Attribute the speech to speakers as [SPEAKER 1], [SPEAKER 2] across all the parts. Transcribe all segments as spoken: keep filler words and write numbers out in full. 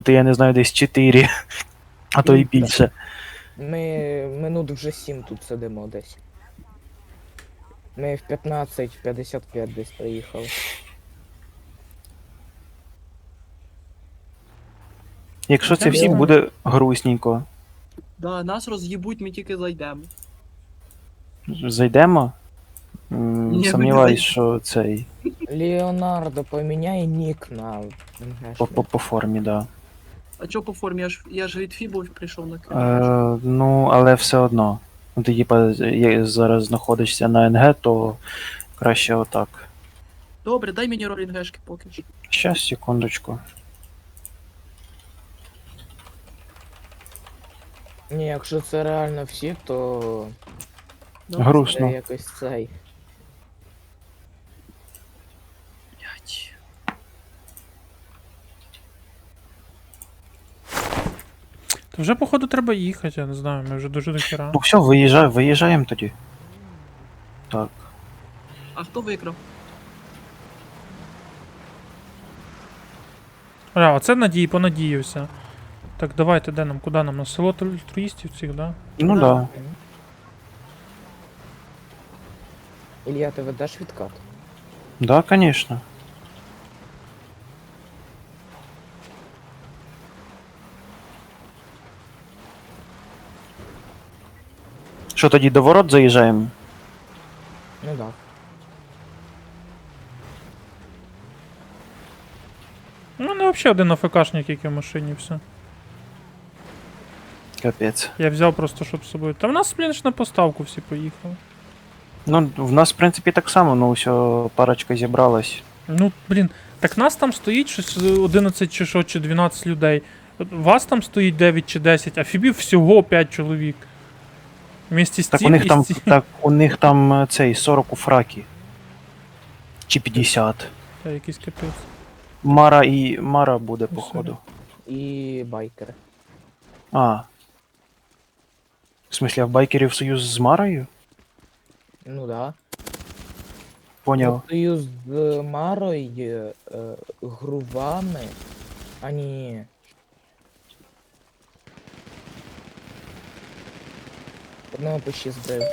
[SPEAKER 1] я не знаю, десь чотири, а то і більше.
[SPEAKER 2] Ми минут вже сім тут сидимо десь. Ми в п'ятнадцять п'ятдесят п'ять десь приїхали.
[SPEAKER 1] Якщо це
[SPEAKER 2] Це
[SPEAKER 1] всім
[SPEAKER 2] було.
[SPEAKER 1] буде грустненько.
[SPEAKER 3] Да, нас роз'їбуть, ми тільки зайдемо.
[SPEAKER 1] Зайдемо? М,
[SPEAKER 3] Ні, ми не
[SPEAKER 1] Сумніваюсь,
[SPEAKER 3] зайдемо.
[SPEAKER 1] що цей
[SPEAKER 2] Леонардо, поміняй нік на
[SPEAKER 1] по, по,
[SPEAKER 2] МГшний.
[SPEAKER 1] по формі, да.
[SPEAKER 3] А чо по формі? Я ж, я ж від Фібов прийшов на кримінал.
[SPEAKER 1] Е, ну, але все одно. Ну, Ти типа є- зараз знаходишся на НГ, то краще отак.
[SPEAKER 3] Добре, дай мені роль НГшки поки що.
[SPEAKER 1] Щас, секундочку.
[SPEAKER 2] Ні, якщо це реально всі, то
[SPEAKER 3] Да,
[SPEAKER 2] це
[SPEAKER 1] Грустно.
[SPEAKER 2] якось цей.
[SPEAKER 3] блядь.
[SPEAKER 4] То вже, походу, треба їхати, я не знаю, ми вже дуже дохера.
[SPEAKER 1] Ну все, виїжджай, виїжджаємо тоді. Так.
[SPEAKER 3] А хто виграв?
[SPEAKER 4] А, оце надій, понадіявся. Так, давайте, де нам, куди нам? На село альтруїстів цих, да?
[SPEAKER 1] Ну
[SPEAKER 3] Да.
[SPEAKER 1] да.
[SPEAKER 2] Ілля, ти ведеш відкат?
[SPEAKER 1] Да, конечно. Що тоді до ворот заїжджаємо?
[SPEAKER 2] Ну да.
[SPEAKER 4] Ну, не взагалі один АФКшник, який в машині, все.
[SPEAKER 1] Капець.
[SPEAKER 4] Я взяв просто, щоб з собою. Та в нас, блін, ж на поставку всі поїхали.
[SPEAKER 1] Ну, в нас, в принципі, так само, ну, все, парочка зібралась.
[SPEAKER 4] Ну, блін, так нас там стоїть щось одинадцять чи що, чи дванадцять людей. Вас там стоїть дев'ять чи десять, а Фібів всього п'ять чоловік. Вместе з
[SPEAKER 1] Так у
[SPEAKER 4] цим
[SPEAKER 1] них
[SPEAKER 4] і
[SPEAKER 1] там,
[SPEAKER 4] з цим.
[SPEAKER 1] так, у них там е, цей сорок у фракі. Чи п'ятдесят.
[SPEAKER 4] Та якийсь капець.
[SPEAKER 1] Мара і Мара буде,
[SPEAKER 4] Ну,
[SPEAKER 1] походу.
[SPEAKER 2] І байкери.
[SPEAKER 1] А. В смысле, а в байкерів союз з Марою?
[SPEAKER 2] Ну да.
[SPEAKER 1] Поняв.
[SPEAKER 2] Союз з Марою, е, грувами. А ні. Одного почти збив.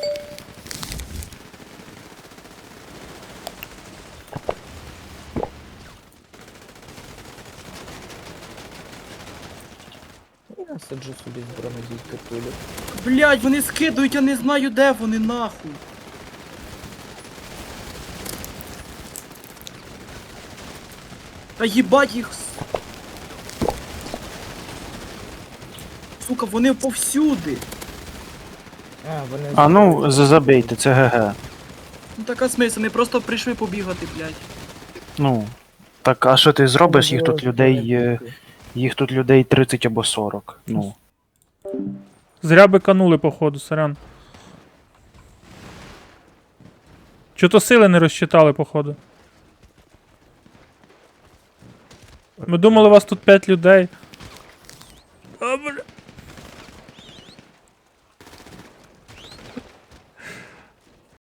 [SPEAKER 2] Я сиджу собі з бронедійки пулю.
[SPEAKER 3] Блядь, вони скидують, я не знаю де вони нахуй. Та їбать їх. с- Сука, вони повсюди.
[SPEAKER 2] А, вони
[SPEAKER 1] А ну,
[SPEAKER 2] збили.
[SPEAKER 1] за- забейте, це ГГ.
[SPEAKER 3] Ну така смисл, вони просто прийшли побігати, блядь.
[SPEAKER 1] Ну. Так, а що ти зробиш? Їх
[SPEAKER 2] Було
[SPEAKER 1] тут людей. е,
[SPEAKER 2] бронедійки.
[SPEAKER 1] Їх тут людей тридцять або сорок. Ну.
[SPEAKER 4] Зря би канули, походу, сорян. Чого-то сили не розчитали, походу. Ми думали, у вас тут п'ять людей.